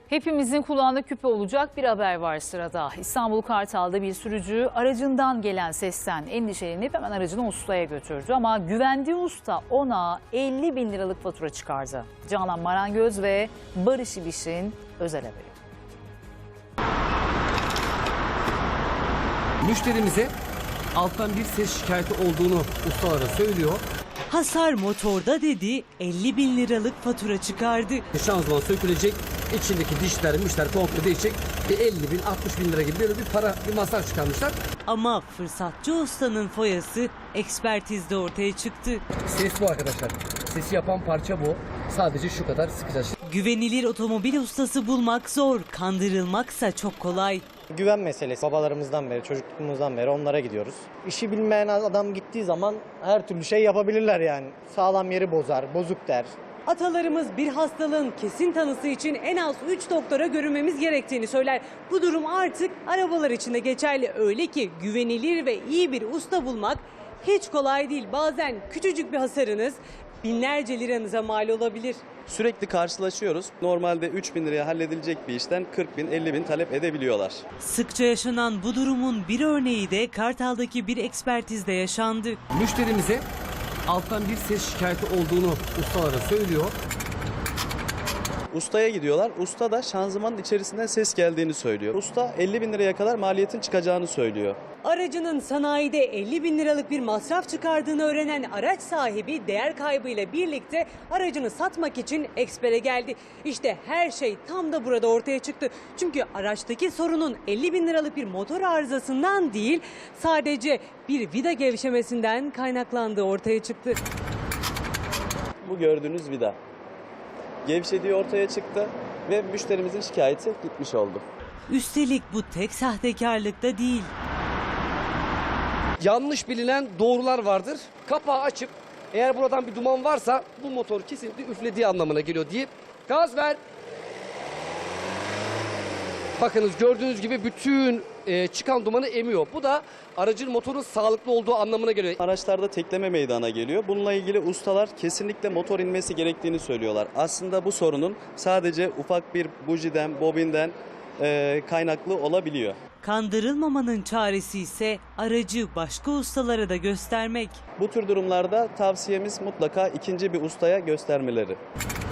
Hepimizin kulağında küpe olacak bir haber var sırada. İstanbul Kartal'da bir sürücü aracından gelen sesten endişelenip hemen aracını ustaya götürdü. Ama güvendiği usta ona 50 bin liralık fatura çıkardı. Canan Marangöz ve Barış İbiş'in özel haberi. Müşterimize alttan bir ses şikayeti olduğunu ustalara söylüyor. Hasar motorda dedi, 50 bin liralık fatura çıkardı. Şanzıman sökülecek, içindeki dişler, mişler komple değişecek. Bir 50 bin, 60 bin lira gibi böyle bir masraf çıkarmışlar. Ama fırsatçı ustanın foyası ekspertizde ortaya çıktı. Ses bu arkadaşlar. Sesi yapan parça bu. Sadece şu kadar sıkacağız. Güvenilir otomobil ustası bulmak zor, kandırılmaksa çok kolay. Güven meselesi. Babalarımızdan beri, çocukluğumuzdan beri onlara gidiyoruz. İşi bilmeyen adam gittiği zaman her türlü şey yapabilirler yani. Sağlam yeri bozar, bozuk der. Atalarımız bir hastalığın kesin tanısı için en az 3 doktora görünmemiz gerektiğini söyler. Bu durum artık arabalar için de geçerli. Öyle ki güvenilir ve iyi bir usta bulmak hiç kolay değil. Bazen küçücük bir hasarınız binlerce liranıza mal olabilir. Sürekli karşılaşıyoruz. Normalde 3 bin liraya halledilecek bir işten 40 bin, 50 bin talep edebiliyorlar. Sıkça yaşanan bu durumun bir örneği de Kartal'daki bir ekspertizde yaşandı. Müşterimize alttan bir ses şikayeti olduğunu ustalara söylüyor. Ustaya gidiyorlar. Usta da şanzımanın içerisinden ses geldiğini söylüyor. Usta 50 bin liraya kadar maliyetin çıkacağını söylüyor. Aracının sanayide 50 bin liralık bir masraf çıkardığını öğrenen araç sahibi değer kaybıyla birlikte aracını satmak için ekspere geldi. İşte her şey tam da burada ortaya çıktı. Çünkü araçtaki sorunun 50 bin liralık bir motor arızasından değil, sadece bir vida gevşemesinden kaynaklandığı ortaya çıktı. Bu gördüğünüz vida. Gevşediği ortaya çıktı ve müşterimizin şikayeti gitmiş oldu. Üstelik bu tek sahtekarlık da değil. Yanlış bilinen doğrular vardır. Kapağı açıp eğer buradan bir duman varsa bu motor kesinlikle üflediği anlamına geliyor deyip gaz ver. Bakınız gördüğünüz gibi bütün çıkan dumanı emiyor. Bu da aracın motorun sağlıklı olduğu anlamına geliyor. Araçlarda tekleme meydana geliyor. Bununla ilgili ustalar kesinlikle motor inmesi gerektiğini söylüyorlar. Aslında bu sorunun sadece ufak bir bujiden, bobinden kaynaklı olabiliyor. Kandırılmamanın çaresi ise aracı başka ustalara da göstermek. Bu tür durumlarda tavsiyemiz mutlaka ikinci bir ustaya göstermeleri.